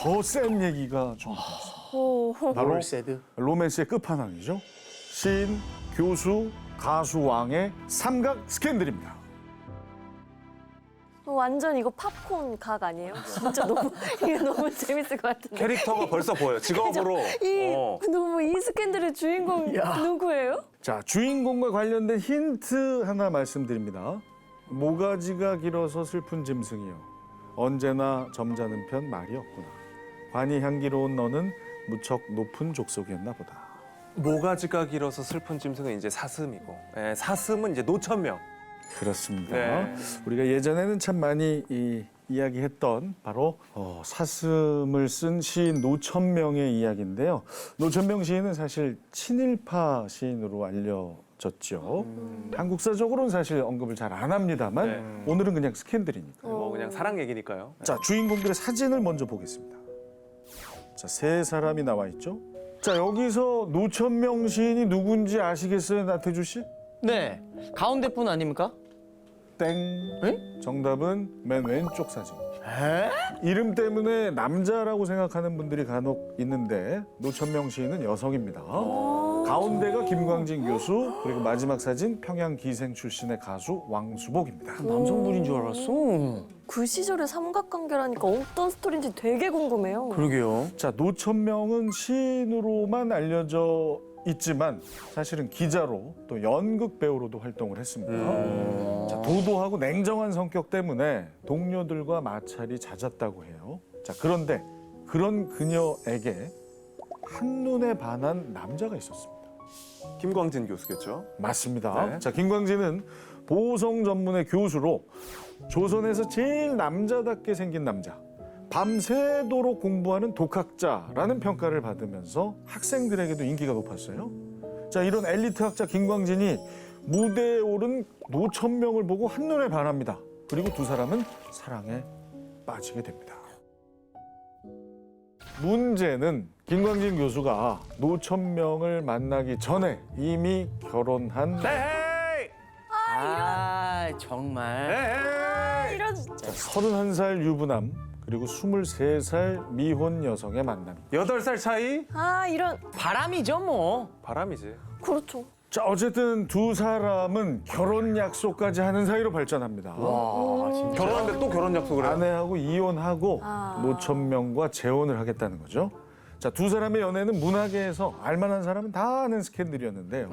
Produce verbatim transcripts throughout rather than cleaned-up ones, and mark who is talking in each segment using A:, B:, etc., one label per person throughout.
A: 더 센 얘기가 좀 있습니다. 바로
B: 세드.
A: 로맨스의 끝판왕이죠. 시인, 교수, 가수 왕의 삼각 스캔들입니다.
C: 완전 이거 팝콘 각 아니에요? 진짜 너무 이게 너무 재밌을 것 같은데.
D: 캐릭터가 벌써 보여. 직업으로.
C: 이
D: 어.
C: 너무 이 스캔들의 주인공 누구예요?
A: 자, 주인공과 관련된 힌트 하나 말씀드립니다. 모가지가 길어서 슬픈 짐승이요. 언제나 점잖은 편 말이 없구나. 관이 향기로운 너는 무척 높은 족속이었나 보다.
D: 모가지가 길어서 슬픈 짐승은 이제 사슴이고, 예, 사슴은 이제 노천명.
A: 그렇습니다.
D: 네.
A: 우리가 예전에는 참 많이 이, 이야기했던 바로 어, 사슴을 쓴 시인 노천명의 이야기인데요. 노천명 시인은 사실 친일파 시인으로 알려졌죠.
D: 음.
A: 한국사적으로는 사실 언급을 잘 안 합니다만
D: 네.
A: 오늘은 그냥 스캔들이니까.
D: 뭐 그냥 사랑 얘기니까요.
A: 자, 주인공들의 사진을 먼저 보겠습니다. 자, 세 사람이 나와 있죠. 자, 여기서 노천명 시인이 누군지 아시겠어요, 나태주 씨?
B: 네. 가운데 분 아닙니까?
A: 땡.
B: 에?
A: 정답은 맨 왼쪽 사진.
B: 에?
A: 이름 때문에 남자라고 생각하는 분들이 간혹 있는데 노천명 시인은 여성입니다. 가운데가 김광진 교수, 그리고 마지막 사진 평양 기생 출신의 가수 왕수복입니다.
B: 남성분인 줄 알았어.
C: 그 시절의 삼각관계라니까 어떤 스토리인지 되게 궁금해요.
B: 그러게요.
A: 자, 노천명은 시인으로만 알려져 있지만 사실은 기자로 또 연극 배우로도 활동을 했습니다. 자, 도도하고 냉정한 성격 때문에 동료들과 마찰이 잦았다고 해요. 자, 그런데 그런 그녀에게 한눈에 반한 남자가 있었습니다.
D: 김광진 교수겠죠?
A: 맞습니다.
D: 네.
A: 자, 김광진은 보성 전문의 교수로 조선에서 제일 남자답게 생긴 남자, 밤새도록 공부하는 독학자라는 평가를 받으면서 학생들에게도 인기가 높았어요. 자, 이런 엘리트 학자 김광진이 무대에 오른 노천명을 보고 한눈에 반합니다. 그리고 두 사람은 사랑에 빠지게 됩니다. 문제는 김광진 교수가 노천명을 만나기 전에 이미 결혼한
D: 에헤이!
B: 아, 정말.
D: 에헤이!
C: 이런
A: 서른한 살 유부남 그리고 스물세 살 미혼 여성의 만남.
D: 여덟 살 차이?
C: 아 이런
B: 바람이죠, 뭐.
D: 바람이지.
C: 그렇죠.
A: 자, 어쨌든 두 사람은 결혼 약속까지 하는 사이로 발전합니다.
B: 와, 진짜.
D: 결혼하는데 또 결혼 약속을 해요?
A: 아내하고 이혼하고
C: 아.
A: 노천명과 재혼을 하겠다는 거죠. 자, 두 사람의 연애는 문화계에서 알만한 사람은 다 아는 스캔들이었는데요.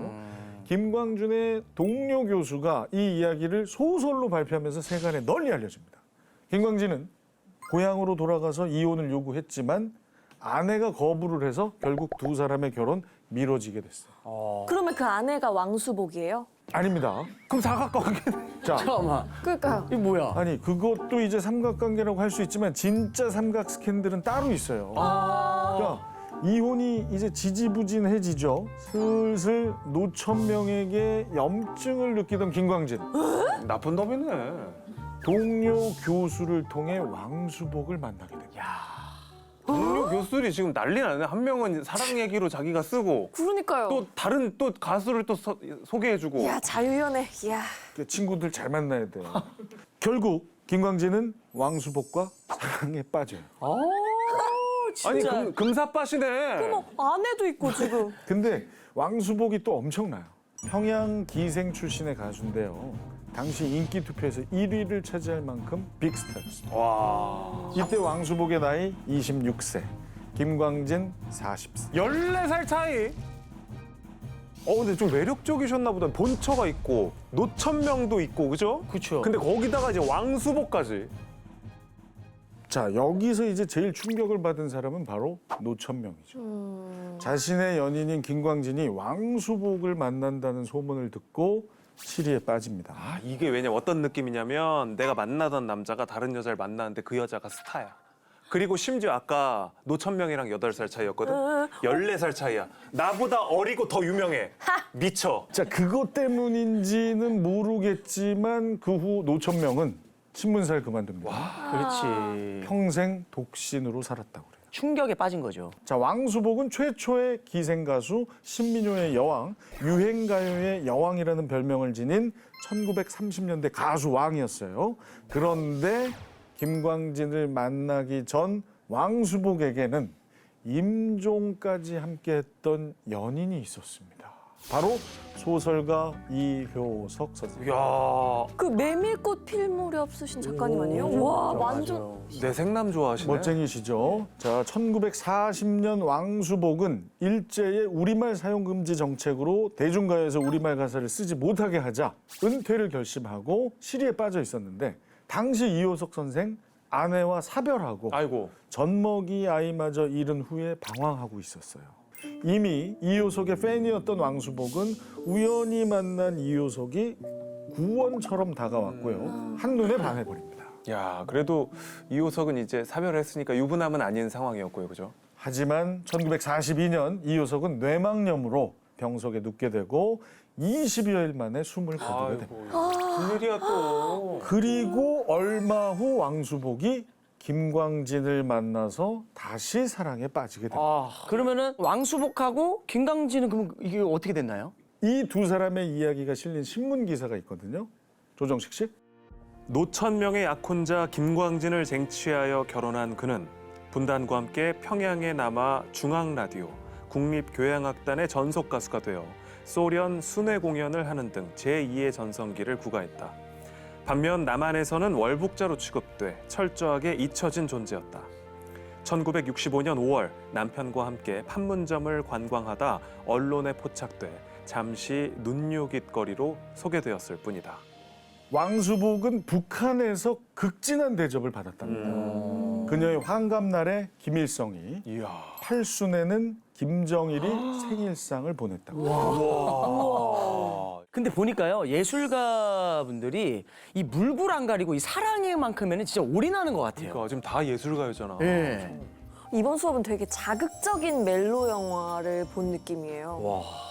A: 김광준의 동료 교수가 이 이야기를 소설로 발표하면서 세간에 널리 알려집니다. 김광진은 고향으로 돌아가서 이혼을 요구했지만 아내가 거부를 해서 결국 두 사람의 결혼 미뤄지게 됐어요.
C: 그러면 그 아내가 왕수복이에요?
A: 아닙니다.
D: 그럼 사각관계.
A: 자,
B: 잠깐만.
C: 그러니까요.
B: 이게 뭐야?
A: 아니 그것도 이제 삼각관계라고 할 수 있지만 진짜 삼각 스캔들은 따로 있어요. 그러니까 이혼이 이제 지지부진해지죠. 슬슬 노천명에게 염증을 느끼던 김광진.
D: 나쁜 놈이네.
A: 동료 교수를 통해 왕수복을 만나게 됩니다.
D: 동료 교수들이 지금 난리 나네. 한 명은 사랑 얘기로 자기가 쓰고
C: 그러니까요.
D: 또 다른 또 가수를 또 서- 소개해주고.
C: 이야 자유연애. 이야.
A: 그 친구들 잘 만나야 돼요. 결국 김광진은 왕수복과 사랑에 빠져요.
B: 어,
D: 아니
B: 진짜.
D: 금, 금사빠시네.
C: 어머 아내도 있고 지금.
A: 근데 왕수복이 또 엄청나요. 평양 기생 출신의 가수인데요. 당시 인기 투표에서 일 위를 차지할 만큼 빅스타였습니다.
D: 와.
A: 이때 왕수복의 나이 이십육 세, 김광진 사십 세.
D: 열네 살 차이. 어 근데 좀 매력적이셨나 보다. 본처가 있고 노천명도 있고 그죠?
B: 그쵸.
D: 근데 거기다가 이제 왕수복까지.
A: 자, 여기서 이제 제일 충격을 받은 사람은 바로 노천명이죠.
C: 음.
A: 자신의 연인인 김광진이 왕수복을 만난다는 소문을 듣고 시리에 빠집니다.
D: 아 이게 왜냐면 어떤 느낌이냐면 내가 만나던 남자가 다른 여자를 만나는데 그 여자가 스타야. 그리고 심지어 아까 노천명이랑 여덟 살 차이였거든. 열네 살 차이야. 나보다 어리고 더 유명해. 미쳐.
A: 자, 그것 때문인지는 모르겠지만 그 후 노천명은 신문사를 그만둡니다.
B: 그렇지.
A: 평생 독신으로 살았다고 그래요.
B: 충격에 빠진 거죠.
A: 자, 왕수복은 최초의 기생 가수 신민요의 여왕, 유행가요의 여왕이라는 별명을 지닌 천구백삼십 년대 가수 왕이었어요. 그런데 김광진을 만나기 전 왕수복에게는 임종까지 함께했던 연인이 있었습니다. 바로 소설가 이효석 선생.
D: 이야,
C: 그 메밀꽃 필 무렵 쓰신 작가님 아니에요? 와 완전
D: 내 생남 좋아하시네.
A: 멋쟁이시죠? 자, 천구백사십 년 왕수복은 일제의 우리말 사용 금지 정책으로 대중가요에서 우리말 가사를 쓰지 못하게 하자 은퇴를 결심하고 시리에 빠져 있었는데 당시 이효석 선생 아내와 사별하고
D: 아이고.
A: 젖먹이 아이마저 잃은 후에 방황하고 있었어요. 이미 이효석의 팬이었던 왕수복은 우연히 만난 이효석이 구원처럼 다가왔고요. 한눈에 반해버립니다.
D: 야, 그래도 이효석은 이제 사별을 했으니까 유부남은 아닌 상황이었고요, 그죠?
A: 하지만 천구백사십이 년 이효석은 뇌망염으로 병석에 눕게 되고 이십여일 만에 숨을 거두게 됩니다.
D: 무슨 일이야 또.
A: 그리고 얼마 후 왕수복이 김광진을 만나서 다시 사랑에 빠지게 됩니다.
B: 아, 그러면은 왕수복하고 김광진은 그럼 이게 어떻게 됐나요?
A: 이 두 사람의 이야기가 실린 신문 기사가 있거든요. 조정식 씨.
D: 노천명의 약혼자 김광진을 쟁취하여 결혼한 그는 분단과 함께 평양에 남아 중앙라디오, 국립교향악단의 전속 가수가 되어 소련 순회 공연을 하는 등 제이의 전성기를 구가했다. 반면 남한에서는 월북자로 취급돼 철저하게 잊혀진 존재였다. 천구백육십오 년 오월 남편과 함께 판문점을 관광하다 언론에 포착돼 잠시 눈요깃거리로 소개되었을 뿐이다.
A: 왕수복은 북한에서 극진한 대접을 받았답니다.
D: 음.
A: 그녀의 환갑날에 김일성이,
D: 이야.
A: 팔순에는 김정일이 생일상을 보냈다고.
D: 와.
B: 근데 보니까요 예술가 분들이 이 물불 안 가리고 이 사랑에만큼에는 진짜 올인하는 것 같아요.
D: 그러니까 지금 다 예술가요잖아.
B: 예.
C: 이번 수업은 되게 자극적인 멜로 영화를 본 느낌이에요.
B: 와.